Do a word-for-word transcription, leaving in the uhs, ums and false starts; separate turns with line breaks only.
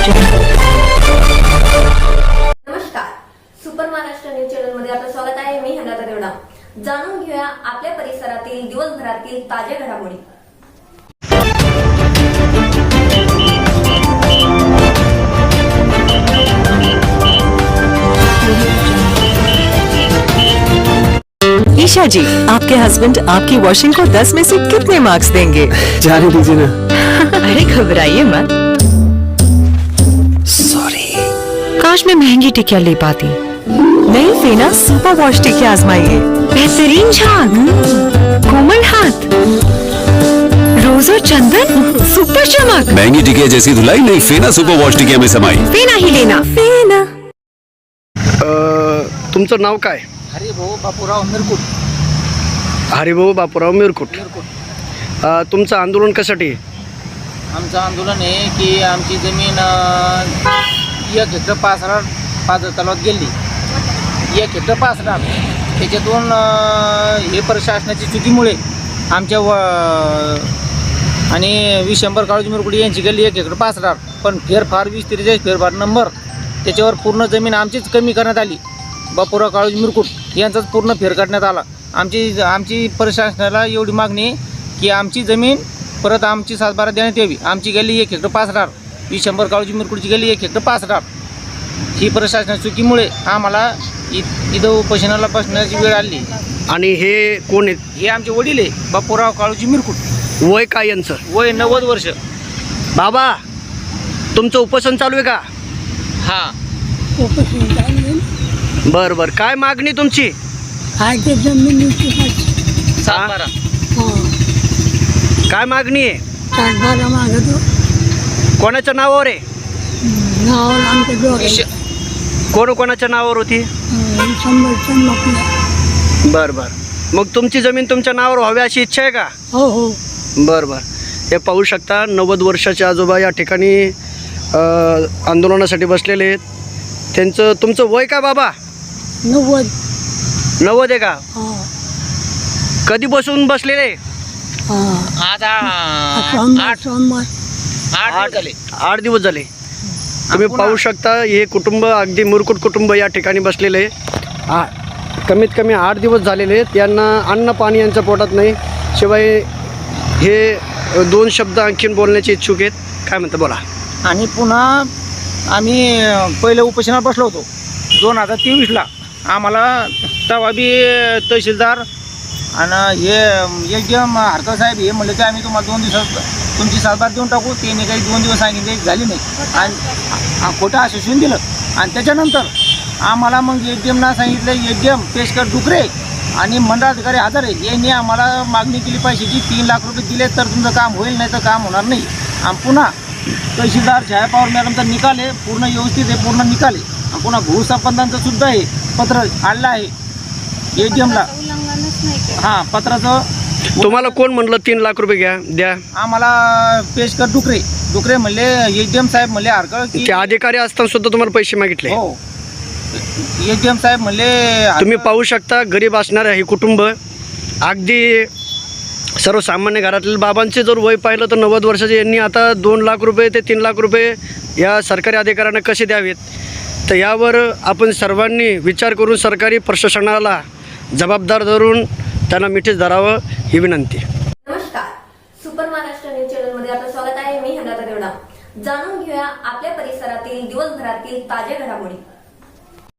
नमस्कार, super Maharashtra news channel मध्ये आपलं स्वागत आहे. मी हनाता देवडा. जाणून घेऊया आपल्या परिसरातील दिवसभरातील ताज्या घडामोडी.
ईशा जी, आपके हस्बैंड आपकी वॉशिंग को दस में से कितने मार्क्स देंगे?
जाने दीजिए ना।
अरे घबराइए मत.
सॉरी.
काश मैं महंगी टिकिया ले पाती. नहीं फेना सुपर वॉश टिकिया आजमाइए. बेहतरीन झाग, कोमल हाथ, रोज और चंदन, सुपर चमक.
महंगी टिकिया जैसी धुलाई नहीं, फेना सुपर वॉश टिकिया में समाई.
फेना ही लेना. फेना.
तुमचं नाव काय?
हरिभाऊ बापूराव मिरकुट.
हरिभाऊ बापूराव मिरकुट. अ, तुमचं आंदोलन कशासाठी?
आमचं आंदोलन आहे की आमची जमीन अ, एक हेक्टर पाच हजार पाच तलावात गेली. एक हेक्टर पाच हजार त्याच्यातून अ, हे प्रशासनाची चुकीमुळे आमच्या व आणि विशंभर काळूजी मिरकुट यांची गेली एक हेक्टर पाच हजार. पण फेरफार वीस त्रेचाळीस फेरफार नंबर त्याच्यावर पूर्ण जमीन आमचीच कमी करण्यात आली. बापूराव काळूजी मिरकुट यांचाच पूर्ण फेर करण्यात आला. आमची आमची प्रशासनाला एवढी मागणी की आमची जमीन परत आमची सातबारा देण्यात यावी. आमची गेली एक हेक्टर पाच हजार, वीस शंभर काळूजी मिरकुटची गेली एक हेक्टर पाच हजार. ही प्रशासनाच्या चुकीमुळे आम्हाला इ इथं उपोषणाला बसण्याची वेळ आली.
आणि हे कोण आहेत?
हे आमचे वडील आहे बापूराव काळूजी मिरकुट.
वय काय यांचं?
वय नव्वद वर्ष.
बाबा, तुमचं उपोषण चालू आहे का?
हां.
बरं बरं. काय मागणी तुमची?
सातबारा.
काय मागणी आहे?
सातबारा मागतो.
कोणाच्या नावावर आहे?
नावावर आमच्या डोळे
विश-
कोण कोणाच्या नावावर होती?
शंभर चंबकले.
बरं बरं. मग तुमची जमीन तुमच्या नावावर व्हावी अशी इच्छा आहे का?
हो हो.
बरं बरं. हे पाहू शकता, नव्वद वर्षाचे आजोबा या ठिकाणी अ, आंदोलनासाठी बसलेले आहेत. त्यांचं तुमचं वय काय बाबा?
नव्वद.
नव्वद आहे का?
हा
कधी बसून बसलेले?
हा.
आता
सोमवार
आठ
सोमवार
आठ दिवस झाले.
आठ दिवस झाले. तुम्ही
पुन्हा-
पाहू शकता, हे कुटुंब अगदी मुरकुट कुटुंब या ठिकाणी बसलेले आहे. आ कमीत कमी आठ दिवस झालेले आहेत. यांना अन्न पाणी यांच्या पोटात नाही. शिवाय हे दोन शब्द आणखीन बोलण्याचे इच्छुक आहेत. काय म्हणतं, बोला.
आणि पुन्हा आम्ही पहिले उपोषणात बसलो होतो दोन हजार तेवीसला. आम्हाला तेव्हा बी तहसीलदार आणि हे एकदम हरकर साहेब हे म्हणले की आम्ही तुम्हाला दोन दिवसात तुमची सातबार देऊन टाकू. त्याने काही दोन दिवस सांगितले, झाली नाही आणि खोटं आश्वासन दिलं. आणि त्याच्यानंतर आम्हाला मग ए डी एमना सांगितलं, ए डी एम पेशकर डुकरे आणि मंडळाधिकारी हजारे यांनी आम्हाला मागणी केली पैशाची. तीन लाख रुपये दिले तर तुमचं काम होईल, नाही तर काम होणार नाही. आणि पुन्हा तहसीलदार छाया पवार मॅडमचा निकाल आहे, पूर्ण व्यवस्थित आहे, पूर्ण निकाल आहे. आणि पुन्हा भूसंबंधांचं सुद्धा आहे पत्र आणलं आहे ए डी एमला. हां, पत्राचं.
तुम्हाला कोण म्हणलं तीन लाख रुपये घ्या द्या?
आम्हाला पेशकर डुकरे डुकरे म्हणले, ए डी एम साहेब म्हणले हरकळ की
ते अधिकारी असताना सुद्धा तुम्हाला पैसे मागितले?
हो. ए डी एम साहेब म्हणले
तुम्ही पाहू शकता, गरीब असणारे हे कुटुंब, अगदी सर्वसामान्य घरातील बाबांचे जर वय पाहिलं तर नव्वद वर्षाचे, यांनी आता दोन लाख रुपये ते तीन लाख रुपये या सरकारी अधिकाऱ्यांना कसे द्यावेत? तर यावर आपण सर्वांनी विचार करून सरकारी प्रशासनाला जबाबदार धरून त्यांना मिठीस धरावं ही विनंती.
नमस्कार, सुपर महाराष्ट्र न्यूज चॅनल मध्ये आपलं स्वागत आहे. मी हनाता देवडा. जाणून घेऊया आपल्या परिसरातील दिवसभरातील ताज्या घडामोडी.